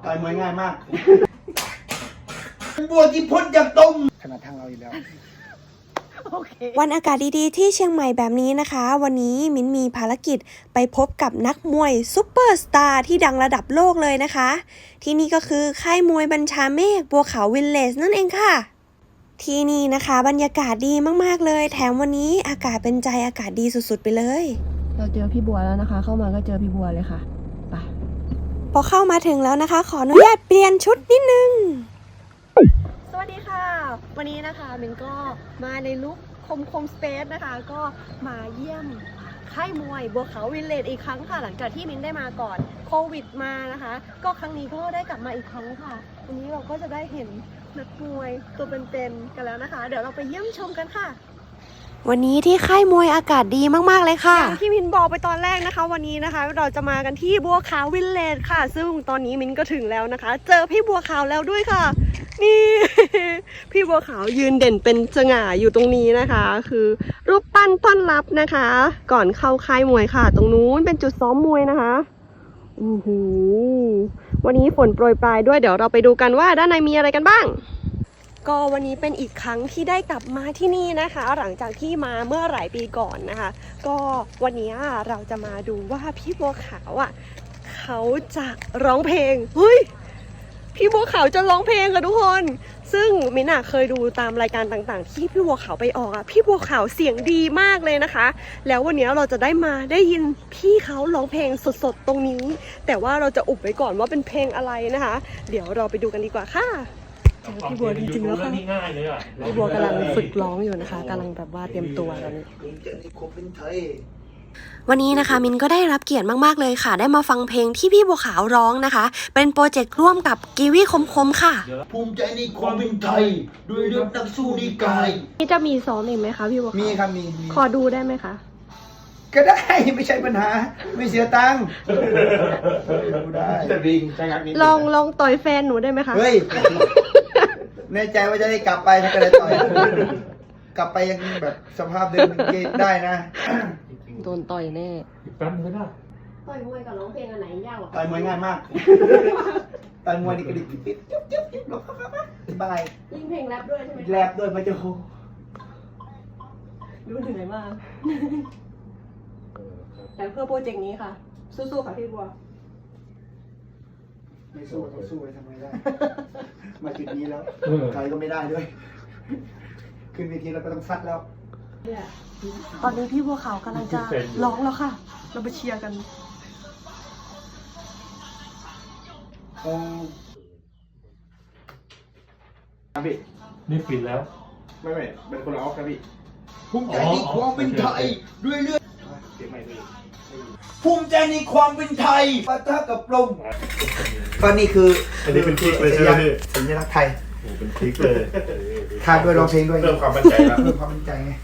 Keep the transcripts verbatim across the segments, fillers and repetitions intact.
ต่อยมวยง่ายมากบัวที่พ้นจากต้มขนาดทางเราอยู่แล้ววันอากาศดีๆที่เชียงใหม่แบบนี้นะคะวันนี้มิ้นมีภารกิจไปพบกับนักมวยซุปเปอร์สตาร์ที่ดังระดับโลกเลยนะคะที่นี่ก็คือค่ายมวยบัญชาเมฆบัวขาววิลเลจนั่นเองค่ะที่นี่นะคะบรรยากาศดีมากๆเลยแถมวันนี้อากาศเป็นใจอากาศดีสุดๆไปเลยเราเจอพี่บัวแล้วนะคะเข้ามาก็เจอพี่บัวเลยค่ะไปพอเข้ามาถึงแล้วนะคะขออนุญาตเปลี่ยนชุดนิดนึงสวัสดีค่ะวันนี้นะคะมินก็มาในลุคคมคมสเปซนะคะก็มาเยี่ยมค่ายมวยบัวขาววิลเลจอีกครั้งค่ะหลังจากที่มินได้มาก่อนโควิดมานะคะก็ครั้งนี้ก็ได้กลับมาอีกครั้งค่ะวันนี้เราก็จะได้เห็นนักมวยตัวเป็นๆกันแล้วนะคะเดี๋ยวเราไปเยี่ยมชมกันค่ะวันนี้ที่ค่ายมวยอากาศดีมากๆเลยค่ะอย่างที่มินบอกไปตอนแรกนะคะวันนี้นะคะเราจะมากันที่บัวขาววิลเลจค่ะซึ่งตอนนี้มินก็ถึงแล้วนะคะเจอพี่บัวขาวแล้วด้วยค่ะนี่ พี่บัวขาวยืนเด่นเป็นสง่าอยู่ตรงนี้นะคะคือรูปปั้นต้อนรับนะคะก่อนเข้าค่ายมวยค่ะตรงนู้นเป็นจุดซ้อมมวยนะคะโอ้โหวันนี้ฝนโปรยปลายด้วยเดี๋ยวเราไปดูกันว่าด้านในมีอะไรกันบ้างก็วันนี้เป็นอีกครั้งที่ได้กลับมาที่นี่นะคะหลังจากที่มาเมื่อหลายปีก่อนนะคะก็วันนี้เราจะมาดูว่าพี่บัวขาวอ่ะเขาจะร้องเพลงเฮ้ยพี่บัวขาวจะร้องเพลงค่ะทุกคนซึ่งมิน่าเคยดูตามรายการต่างๆที่พี่บัวขาวไปออกอ่ะพี่บัวขาวเสียงดีมากเลยนะคะแล้ววันนี้เราจะได้มาได้ยินพี่เขาร้องเพลงสดๆตรงนี้แต่ว่าเราจะอุบไว้ก่อนว่าเป็นเพลงอะไรนะคะเดี๋ยวเราไปดูกันดีกว่าค่ะพี่บัวจริงๆแล้วค่ะพี่บัวกำลังฝึกร้องอยู่นะคะกำลังแบบว่าเตรียมตัวตอนนี้วันนี้นะคะมินก็ได้รับเกียรติมากๆเลยค่ะได้มาฟังเพลงที่พี่บัวขาวร้องนะคะเป็นโปรเจกต์ร่วมกับกีวีคมคมค่ะภูมิใจในความเป็นไทยด้วยเลือดนักสู้นิกายนี่จะมีซ้อมอีกไหมคะพี่บัวขาวมีครับมีขอดูได้ไหมคะก็ได้ไม่ใช่ปัญหาไม่เสียตังค์ดูได้ลองลองต่อยแฟนหนูได้ไหมคะเฮ้ยแน่ใจว่าจะได้กลับไปถ้าก็เลยต่อยกลับไปยังแบบสภาพเดิมได้นะโดนต่อยแน่แป๊บนึงก็ได้ต่อยมวยกับร้องเพลงอันไหนยากกว่าต่อยมวยง่ายมากต่อยมวยนี่กระดิกปิ๊บจุ๊บจุ๊บจุ๊บหลบเข้ามาสบายยิ่งเพลงแรปด้วยใช่ไหมแรปด้วยมาจะโหรู้ถึงไหนมากแต่เพื่อโปรเจกต์นี้ค่ะสู้ๆค่ะพี่บัวไม่สู้ต้องสู้ไปทำไมได้มาจุดนี้แล้วใครก็ไม่ได้ด้วยขึ้นเวทีเราก็ต้องฟัดแล้วตอนนี้พี่บัวขาวกำลังจะร้องแล้วค่ะเราไปเชียร์กันครับพี่นี่ฟินแล้วไม่ไม่เป็นคนละออฟครับพี่ภูมิใจในความเป็นไทยด้วยเลือดภูมิใจในความเป็นไทยปะทะกับลมก็นี่คืออันนี้เป็นพริกเลยใช่ไหมพี่สัญลักษณ์ไทยโอ้เป็นพริกเลยทานด้วยร้องเพลงด้วยเพิ่มความมั่นใจแล้วเพิ่มความมั่นใจไง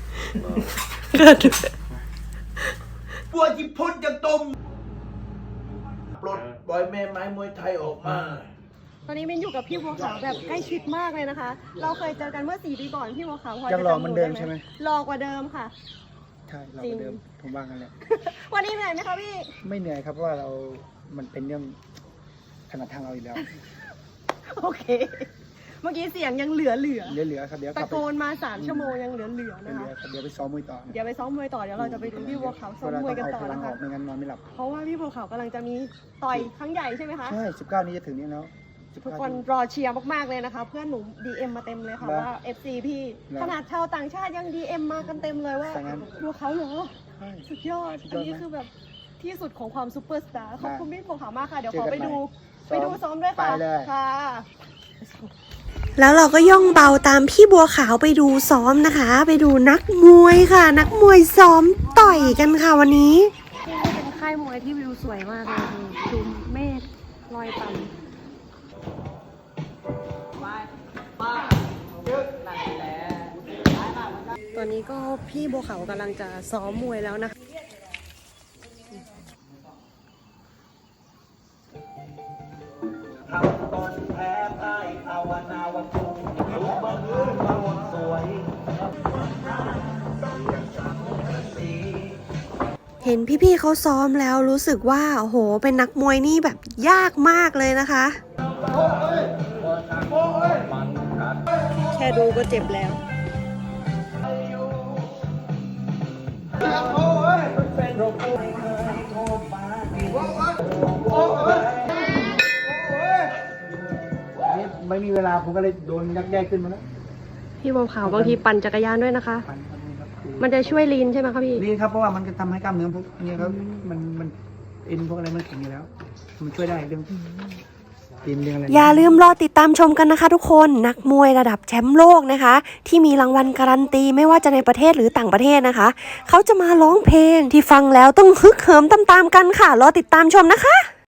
บัวที่พ้นจากต้มปลดปล่อยแม่ไม้มวยไทยออกมาตอนนี้มินอยู่กับพี่บัวขาวแบบใกล้ชิดมากเลยนะคะเราเคยเจอกันเมื่อสี่ปีก่อนพี่บัวขาวพอจะจำหนูได้ไหมหล่อกว่าเดิมค่ะใช่หล่อกว่าเดิมผมว่ากันแหละวันนี้เหนื่อยไหมคะพี่ไม่เหนื่อยครับเพราะว่าเรามันเป็นเรื่องขนาดทางเราอยู่แล้วโอเคเมื่อกี้เสียงยังเหลือเหลือเหลือเหลือครับเดี๋ยวตะโกนมาสามชั่วโมงยังเหลือเหลือนะคะเดี๋ยวไปซ้อมมวยต่อเดี๋ยวไปซ้อมมวยต่อเดี๋ยวเราจะไปดูพี่บัวขาวซ้อมมวยกันต่อนะคะไม่งั้นนอนไม่หลับเพราะว่าพี่บัวขาวกำลังจะมีต่อยครั้งใหญ่ใช่ไหมคะใช่สิบเก้านี้จะถึงนี้แล้วทุกคนรอเชียร์มากๆเลยนะคะเพื่อนหนู ดี เอ็ม มาเต็มเลยค่ะว่า เอฟ ซี พี่ขนาดชาวต่างชาติยัง ดี เอ็ม มากันเต็มเลยว่าบัวขาวเหรอสุดยอดอันนี้คือแบบที่สุดของความซูเปอร์สตาร์ขอบคุณพี่บัวขาวมากค่ะเดี๋ยวขอไปดูไปดูซ้อมด้วยค่ะค่ะแล้วเราก็ย่องเบาตามพี่บัวขาวไปดูซ้อมนะคะไปดูนักมวยค่ะนักมวยซ้อมต่อยกันค่ะวันนี้นี่เป็นค่ายมวยที่วิวสวยมากเลยดูเมฆลอยต่ำตอนนี้ก็พี่บัวขาวกำลังจะซ้อมมวยแล้วนะคะเห็นพี่ๆเขาซ้อมแล้วรู้สึกว่าโอ้โหเป็นนักมวยนี่แบบยากมากเลยนะคะค่ดูก็เจ็บแล้วไม่มีเวลาผมก็เลยโดนยักแยกขึ้นมาแล้วพี่บัวขาวบางทีปั่นจักรยานด้วยนะคะปั่นครับนี่ครับมันจะช่วยลีนใช่ไหมคะพี่นี่ครับเพราะว่ามันจะทำให้กล้ามเนื้อพวกนี้ครับมันมันเอ็นพวกอะไรมันแข็งอยู่แล้ว มันช่วยได้เรื่องเอ็นเรื่องอะไรอย่าลืมรอติดตามชมกันนะคะทุกคนนักมวยระดับแชมป์โลกนะคะ ที่มีรางวัลการันตีไม่ว่าจะในประเทศหรือต่างประเทศนะคะ เขาจะมาร้องเพลงที่ฟังแล้วต้องฮึกเหิมตามๆกันค่ะ รอติดตามชมนะคะ